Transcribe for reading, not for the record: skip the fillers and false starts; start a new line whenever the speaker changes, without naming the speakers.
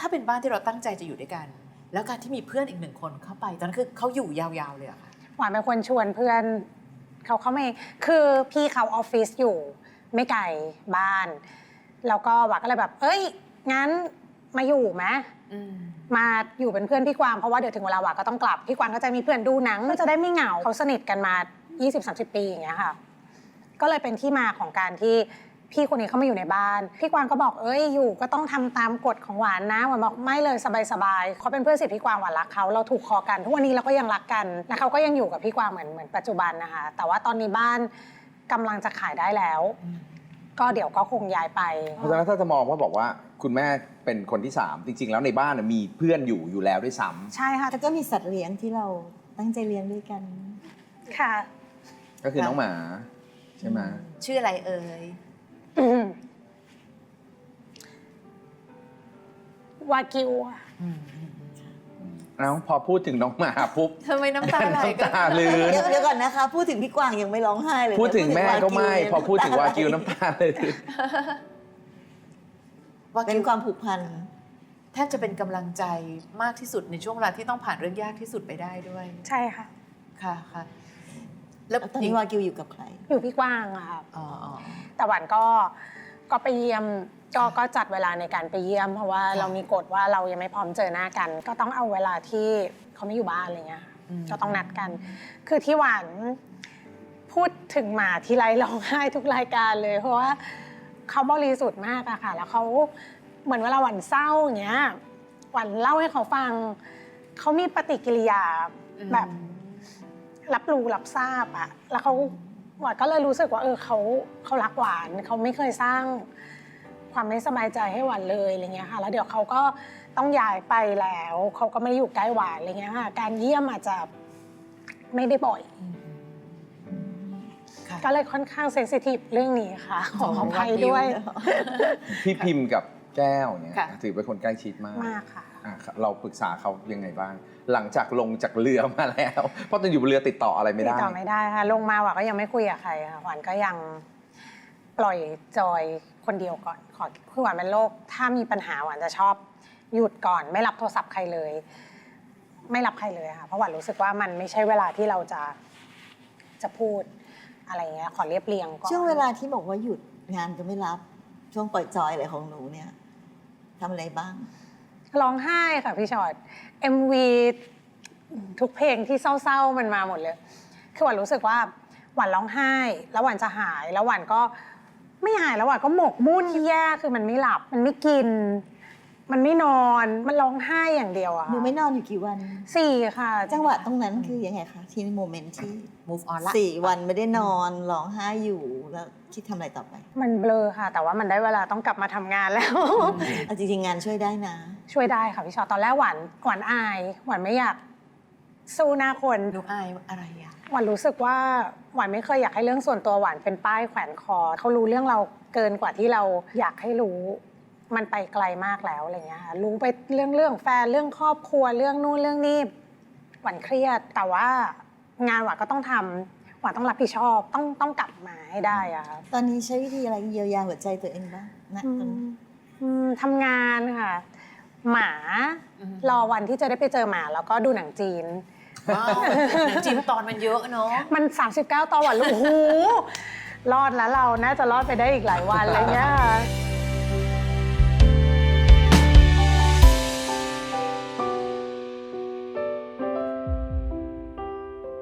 ถ้าเป็นบ้านที่เราตั้งใจจะอยู่ด้วยกัน แล้วการที่มีเพื่อนอีก1 คนเข้าไปตอนนั้นคือเขาอยู่ยาวๆเลยอะค่ะ
หวานเป็นคนชวนเพื่อนเขาไม่คือพี่เขาออฟฟิศอยู่ไม่ไกลบ้านแล้วก็หวานก็เลยแบบเอ้ยงั้นมาอยู่ไหมมาอยู่เป็นเพื่อนพี่กวางเพราะว่าเดี๋ยวถึงเวลาหวานก็ต้องกลับพี่กวางก็จะมีเพื่อนดูหนังก็จะได้ไม่เหงาเขาสนิทกันมา 20-30 ปีอย่างเงี้ยค่ะก็เลยเป็นที่มาของการที่พี่คนนี้เขามาอยู่ในบ้านพี่กวางก็บอกเอ้ยอยู่ก็ต้องทำตามกฎของหวานนะหวานบอกไม่เลยสบายๆเขาเป็นเพื่อนสนิทพี่กวางหวานรักเขาเราถูกคอกันทุกวันนี้เราก็ยังรักกันและเขาก็ยังอยู่กับพี่กวางเหมือนปัจจุบันนะคะแต่ว่าตอนนี้บ้านกำลังจะขายได้แล้วก็เดี๋ยวก็คงย้ายไป
เพราะฉะนั้นถ้าจะมองว่าบอกว่าคุณแม่เป็นคนที่3จริงๆแล้วในบ้านมีเพื่อนอยู่แล้วด้วยซ้ำ
ใช่ค่ะ
แล้วก็มีสัตว์เลี้ยงที่เราตั้งใจเลี้ยงด้วยกัน
ค่ะ
ก็คือน้องหมาใช่ไหม
ชื่ออะไรเอ่
ยวากิว
แล้วพอพูดถึงน้องหมาปุ๊บ
ทำไมน้ำตาไหลกัน
น้ำตาลื้น
เดี๋ยวก่อนนะคะพูดถึงพี่กวางยังไม่ร้องไห้เลย
พูดถึงแม่ก็ไม่พอพูดถึงวากิวน้ำตาเลย
เป็นความผูกพัน
แทบจะเป็นกำลังใจมากที่สุดในช่วงเวลาที่ต้องผ่านเรื่องยากที่สุดไปได้ด้วย
ใช่ค่ะ
ค่ะ
แล้วตอนนี้วากิวอยู่กับใคร
อยู่พี่กวางอะค่ะแต่หวานก็ไปเยี่ยมก็จัดเวลาในการไปเยี่ยมเพราะว่าเรามีกฎว่าเรายังไม่พร้อมเจอหน้ากันก็ต้องเอาเวลาที่เขาไม่อยู่บ้านอะไรเงี้ยก็ต้องนัดกันคือที่หวานพูดถึงหมาทีไรร้องไห้ทุกรายการเลยเพราะว่าเขาบริสุทธิ์มากอะค่ะแล้วเขาเหมือนเวลาหวานเศร้าอย่างเงี้ยหวานเล่าให้เขาฟังเขามีปฏิกิริยาแบบรับรู้รับทราบอะแล้วหวานก็เลยรู้สึกว่าเขารักหวานเขาไม่เคยสร้างความไม่สบายใจให้หวานเลยอะไรเงี้ยค่ะแล้วเดี๋ยวเขาก็ต้องย้ายไปแล้วเขาก็ไม่อยู่ใกล้หวานอะไรเงี้ยค่ะการเยี่ยมอาจจะไม่ได้บ่อยก็เลยค่อนข้างเซนซิทีฟเรื่องนี้ค่ะขออภัยด้วย
พี่พิมพ์กับแก้วเนี่ยถือเป็นคนใกล้ชิดมาก
ค่ะ
เราปรึกษาเขายังไงบ้างหลังจากลงจากเรือมาแล้วเพราะตอนอยู่บนเรือติดต่ออะไรไม่ได้
ติดต่อไม่ได้ค่ะลงมาหวานก็ยังไม่คุยกับใครค่ะหวานก็ยังปล่อยจอยคนเดียวก่อนคือหวานเป็นโรคถ้ามีปัญหาหวานจะชอบหยุดก่อนไม่รับโทรศัพท์ใครเลยไม่รับใครเลยค่ะเพราะหวานรู้สึกว่ามันไม่ใช่เวลาที่เราจะพูดอะไรเงี้ยขอเรียบเรียงก่อน
ช่วงเวลาที่บอกว่าหยุดงานจะไม่รับช่วงปล่อยจอยอะไรของหนูเนี่ยทำอะไรบ้าง
ร้องไห้ค่ะพี่ชอต MV ทุกเพลงที่เศร้าๆมันมาหมดเลยคือหวานรู้สึกว่าหวานร้องไห้แล้วหวานจะหายแล้วหวานก็ไม่หายแล้วหวานก็หมกมุ่นที่แย่คือมันไม่หลับมันไม่กินมันไม่นอนมันร้องไห้อย่างเดียวอะ
หนูไม่นอนอยู่กี่วัน
4ค่ะ
จังหวะตรงนั้นคือยังไงคะที่โมเมนต์ที่
move on ละ
4 วันไม่ได้นอนร้องไห้อยู่แล้วคิดทำอะไรต่อไป
มันเบลอค่ะแต่ว่ามันได้เวลาต้องกลับมาทำงานแล้ว
จริงๆงานช่วยได้นะ
ช่วยได้ค่ะพี่ชอตตอนแรกหวานอายหวานไม่อยากสู้หน้าคน
หนูอายอะไรอะ
หวานรู้สึกว่าหวานไม่เคยอยากให้เรื่องส่วนตัวหวานเป็นป้ายแขวนคอเขารู้เรื่องเราเกินกว่าที่เราอยากให้รู้มันไปไกลมากแล้วอะไรเงี้ยค่ะรู้ไปเรื่องแฟนเรื่องครอบครัวเรื่องนู่นเรื่องนี้หวานเครียดแต่ว่างานหวานก็ต้องทำหวานต้องรับผิดชอบต้องกลับมาให้ได้อะค่ะ
ตอนนี้ใช้วิธีอะไรเยียวยาหัวใจตัวเองบ้างนะ
ทำงานค่ะหมารอวันที่จะได้ไปเจอหมาแล้วก็ดูหนังจีน
หนังจีนตอนมันเยอะเนาะ
มัน39 ตอนหวานโอ้โหรอดแล้วเราน่าจะรอดไปได้อีกหลายวันอะไรเงี้ย